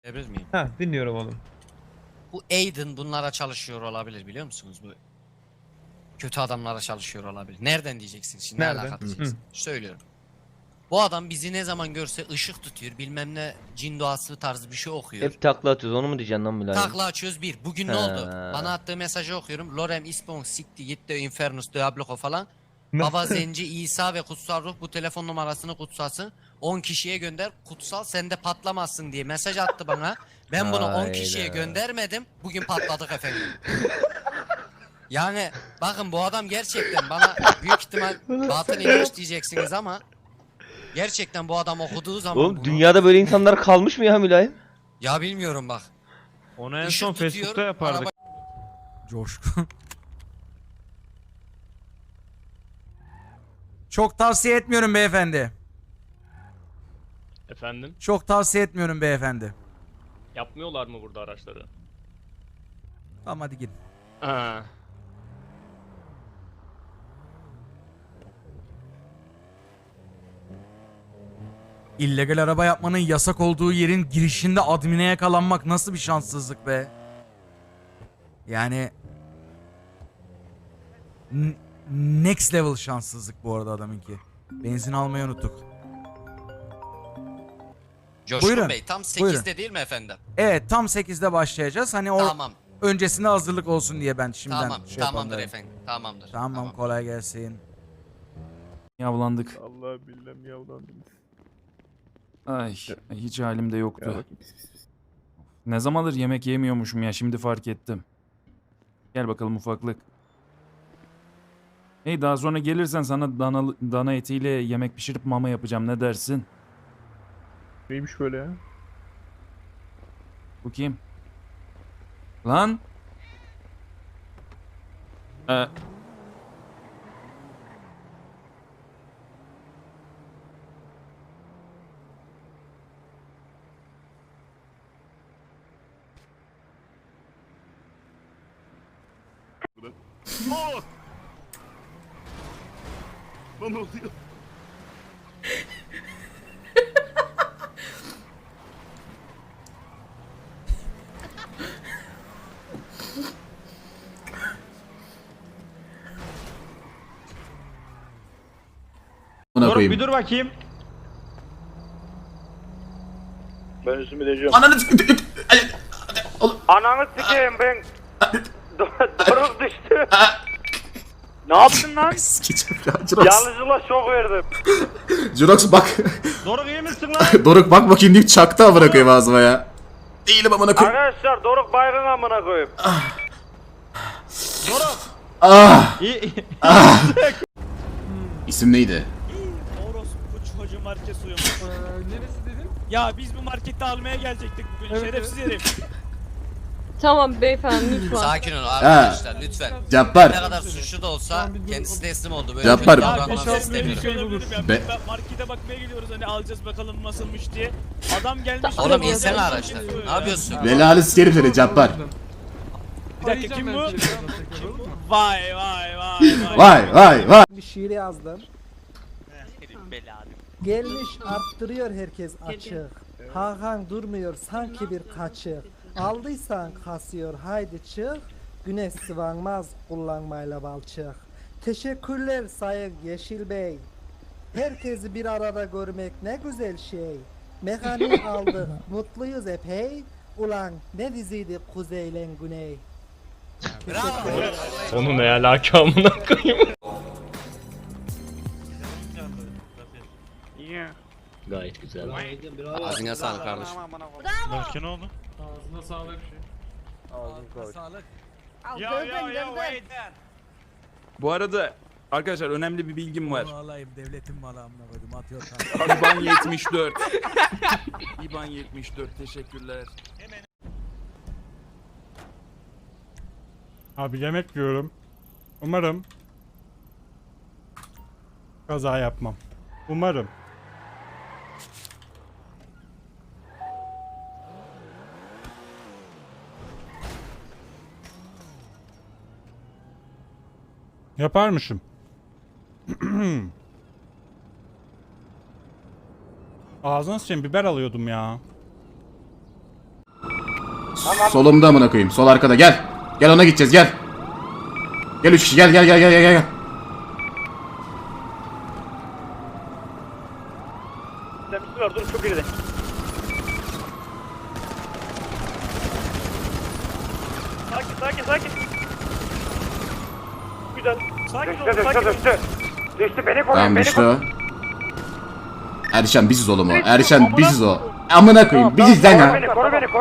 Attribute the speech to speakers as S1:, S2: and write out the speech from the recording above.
S1: Ebriz miyim?
S2: Ha, dinliyorum oğlum.
S1: Bu Aiden bunlara çalışıyor olabilir, biliyor musunuz? Bu kötü adamlara çalışıyor olabilir. Nereden diyeceksin şimdi? Ne
S2: Nereden?
S1: alaka
S2: Hı.
S1: diyeceksin? Söylüyorum. Bu adam bizi ne zaman görse ışık tutuyor, bilmem ne cin doğası tarzı bir şey okuyor.
S3: Hep takla atıyoruz, onu mu diyeceksin lan Mülayim?
S1: Takla açıyoruz bir. Bugün ne
S3: He.
S1: oldu? Bana attığı mesajı okuyorum. Lorem ispon sikti gitti infernus diablo falan.
S2: Nasıl?
S1: Baba Zenci, İsa ve Kutsal Ruh bu telefon numarasını kutsasın. 10 kişiye gönder. Kutsal sende patlamazsın diye mesaj attı bana. Ben bunu 10 kişiye
S3: Hayda.
S1: göndermedim. Bugün patladık efendim. Yani bakın bu adam gerçekten bana büyük ihtimal batıl inanç diyeceksiniz ama gerçekten bu adam okuduğu zaman
S3: Oğlum
S1: bunu,
S3: dünyada böyle insanlar kalmış mı ya Mülayim?
S1: ya bilmiyorum bak.
S2: Onu en
S1: Işık
S2: son
S1: tutuyor,
S2: Facebook'ta yapardık.
S1: araba-
S4: Coşkun. Çok tavsiye etmiyorum beyefendi.
S5: Efendim?
S4: Çok tavsiye etmiyorum beyefendi.
S5: Yapmıyorlar mı burada araçları?
S4: Tamam hadi gidin.
S5: Ha.
S4: İllegal araba yapmanın yasak olduğu yerin girişinde admine yakalanmak nasıl bir şanssızlık be. Yani next level şanssızlık bu arada adamınki. Benzin almayı unuttuk.
S1: Coşkun
S4: Buyurun,
S1: Bey tam 8'de
S4: buyurun.
S1: değil mi efendim?
S4: Evet tam 8'de başlayacağız. Hani
S1: Tamam.
S4: öncesinde hazırlık olsun diye ben şimdiden
S1: Tamam.
S4: şey
S1: Tamamdır
S4: yapamıyorum.
S1: efendim. Tamamdır.
S4: Tamam kolay gelsin.
S6: Yavlandık.
S7: Allah billah yavlandım.
S6: Ay hiç halim de
S7: Ya
S6: yoktu.
S7: bak pis pis pis.
S6: Ne zamandır yemek yemiyormuşum ya, şimdi fark ettim. Gel bakalım ufaklık. Hey, daha sonra gelirsen sana dana etiyle yemek pişirip mama yapacağım, ne dersin?
S7: Neymiş böyle ya?
S6: Bu kim? Lan?
S7: Lan ne oluyor?
S2: Dur bir dur bakayım.
S7: Ben üstümü diyeceğim.
S8: Ananı sikeyim ben. Doruk düştü. Ne yaptın lan?
S9: Sikeceğim ya Jirox.
S8: Yanlışlıkla şok verdim.
S9: Jirox bak.
S2: Doruk iyi misin lan?
S9: Doruk bak bakayım deyip çaktı amına koyayım ağzıma ya. Değilim amına koyayım.
S8: Arkadaşlar Doruk baygın amına koyayım.
S2: Doruk.
S9: Ah.
S2: İyi.
S9: İsim neydi?
S10: Orospu çocuğu market suyu. Neresi dedin? Ya biz bu markette almaya gelecektik bugün, şerefsiz herif.
S11: Tamam beyefendi lütfen.
S1: Sakin olun arkadaşlar lütfen. Ne
S9: Cabbar.
S1: kadar suçlu da olsa kendisi teslim oldu. Böyle
S9: Yapar.
S1: kötü
S9: Ya,
S1: davranmanızı
S10: Böyle
S1: istemiyorum.
S10: bir şey olabilir mi ya?
S9: Be-
S10: Biz markete bakmaya gidiyoruz, hani alacağız bakalım nasılmış diye. Adam gelmiş.
S1: Oğlum insene araçlar. Ne yapıyorsun?
S9: Belalı sikerim seni Cabbar.
S10: Bir dakika, kim bu? Vay vay vay vay.
S9: Vay vay vay.
S8: Bir şiir yazdım.
S10: Belalı.
S8: Gelmiş arttırıyor herkes açık. Hakan durmuyor sanki bir kaçık. Aldıysan kasıyor haydi çık. Güneş sıvanmaz kullanmayla balçık. Teşekkürler Sayın Yeşil Bey. Herkesi bir arada görmek ne güzel şey. Mekanik aldık mutluyuz epey. Ulan ne diziydi kuzeyle güney.
S1: Bravo.
S5: Onu ne alaka amına koyayım? Gayet güzel.
S1: Ağzına sağlık kardeşim.
S10: Berke ne oldu?
S6: Bu arada arkadaşlar önemli bir bilgim var.
S4: Alayım devletin malı amına koydum atıyor
S6: İban 74. İban 74, teşekkürler.
S2: Abi yemek yiyorum. Umarım kaza yapmam. Umarım. Yaparmışım. Ağzına sıçayım, biber alıyordum ya.
S9: Solumda amına koyayım. Sol arkada gel. Gel ona gideceğiz gel. Gel 3 kişi gel gel gel gel gel gel.
S7: Dur çok geride. Sakin. Güzel. Düştü beni koruyor.
S9: Tamam düştü o. Erşen biziz oğlum o. Erşen biziz o. Amına koyayım biziz lan ya.
S7: Koru beni.